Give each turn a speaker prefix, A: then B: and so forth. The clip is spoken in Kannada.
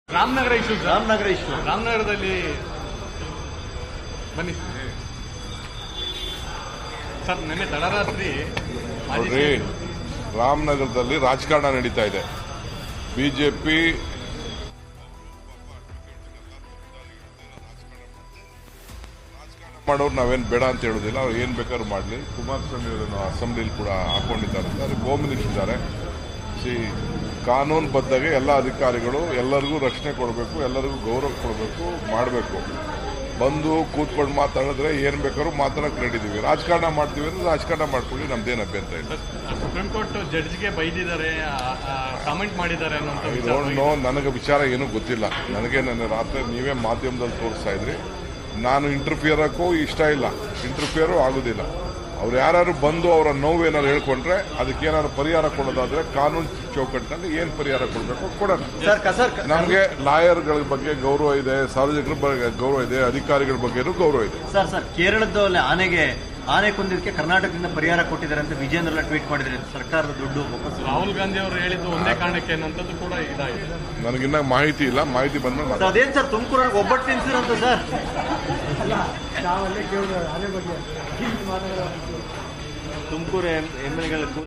A: ರಾಮನಗರ ಇಶ್ಯೂ ರಾಮನಗರದಲ್ಲಿ ಬನ್ನಿ ಸರ್. ನಿನ್ನೆ ತಡರಾತ್ರಿ
B: ನೋಡ್ರಿ, ರಾಮನಗರದಲ್ಲಿ ರಾಜಕಾರಣ ನಡೀತಾ ಇದೆ. ಬಿಜೆಪಿ ಮಾಡೋರು ನಾವೇನು ಬೇಡ ಅಂತ ಹೇಳೋದಿಲ್ಲ. ಅವ್ರು ಏನ್ ಬೇಕಾದ್ರೂ ಮಾಡಲಿ. ಕುಮಾರಸ್ವಾಮಿ ಅವರನ್ನು ಅಸೆಂಬ್ಲಿಲಿ ಕೂಡ ಹಾಕೊಂಡಿದ್ದಾರೆ ಅಂತ ಅದಕ್ಕೆ ಹೋಮ್ ಮಿನಿಸ್ಟರ್ ಇದ್ದಾರೆ. ಕಾನೂನು ಬದ್ಧಾಗೆ ಎಲ್ಲ ಅಧಿಕಾರಿಗಳು ಎಲ್ಲರಿಗೂ ರಕ್ಷಣೆ ಕೊಡಬೇಕು, ಎಲ್ಲರಿಗೂ ಗೌರವ ಕೊಡಬೇಕು, ಮಾಡಬೇಕು. ಬಂದು ಕೂತ್ಕೊಂಡು ಮಾತಾಡಿದ್ರೆ ಏನ್ ಬೇಕಾದ್ರೂ ಮಾತಾಡಕ್ ರೆಡಿದೀವಿ. ರಾಜಕಾರಣ ಮಾಡ್ತೀವಿ ಅಂದ್ರೆ ರಾಜಕಾರಣ ಮಾಡ್ಕೊಳ್ಳಿ, ನಮ್ದೇನು ಅಭ್ಯಂತರ ಇಲ್ಲ.
A: ಸುಪ್ರೀಂ ಕೋರ್ಟ್ ಜಡ್ಜ್ಗೆ ಬೈದಿದ್ದಾರೆ, ಕಾಮೆಂಟ್ ಮಾಡಿದ್ದಾರೆ
B: ನನಗೆ ವಿಚಾರ ಏನೂ ಗೊತ್ತಿಲ್ಲ. ನನಗೆ ನನ್ನ ರಾತ್ರಿ ನೀವೇ ಮಾಧ್ಯಮದಲ್ಲಿ ತೋರಿಸ್ತಾ ಇದ್ರಿ. ನಾನು ಇಂಟರ್ಫಿಯರ್ ಹಾಕೋ ಇಷ್ಟ ಇಲ್ಲ, ಇಂಟರ್ಫಿಯರು ಆಗುದಿಲ್ಲ. ಅವ್ರು ಯಾರು ಬಂದು ಅವರ ನೋವೇನಾದ್ರು ಹೇಳ್ಕೊಂಡ್ರೆ ಅದಕ್ಕೆ ಏನಾದ್ರು ಪರಿಹಾರ ಕೊಡೋದಾದ್ರೆ ಕಾನೂನು ಚೌಕಟ್ಟಿನಲ್ಲಿ ಏನ್ ಪರಿಹಾರ ಕೊಡಬೇಕು ಕೊಡೋಣ. ನಮಗೆ ಲಾಯರ್ಗಳ ಬಗ್ಗೆ ಗೌರವ ಇದೆ, ಸಾರ್ವಜನಿಕರ ಬಗ್ಗೆ ಗೌರವ ಇದೆ, ಅಧಿಕಾರಿಗಳ ಬಗ್ಗೆನೂ ಗೌರವ ಇದೆ.
C: ಸರ್ ಕೇರಳದಲ್ಲಿ ಆನೆ ಕೊಂದಿದ್ದಕ್ಕೆ ಕರ್ನಾಟಕದಿಂದ ಪರಿಹಾರ ಕೊಟ್ಟಿದ್ದಾರೆ ಅಂತ ವಿಜೇಂದ್ರ ಟ್ವೀಟ್ ಮಾಡಿದ್ದಾರೆ. ಸರ್ಕಾರದ ದುಡ್ಡು
A: ರಾಹುಲ್ ಗಾಂಧಿ ಅವರು ಹೇಳಿದ್ದು ಒಂದೇ ಕಾರಣಕ್ಕೆ ಅನ್ನೋಂಥದ್ದು ಕೂಡ ಇದಾಗಿದೆ.
B: ನನಗಿನ್ನ ಮಾಹಿತಿ ಇಲ್ಲ, ಮಾಹಿತಿ ಬಂದ್ಮೇಲೆ
C: ಅದೇನ್ ಸರ್ ತುಮಕೂರಲ್ಲಿ ಒಬ್ಬಟ್ಟು ತಿನ್ಸಿರಂತ ಸರ್. ತುಮಕೂರು ಎಮ್ಎಲ್ಎಗಳು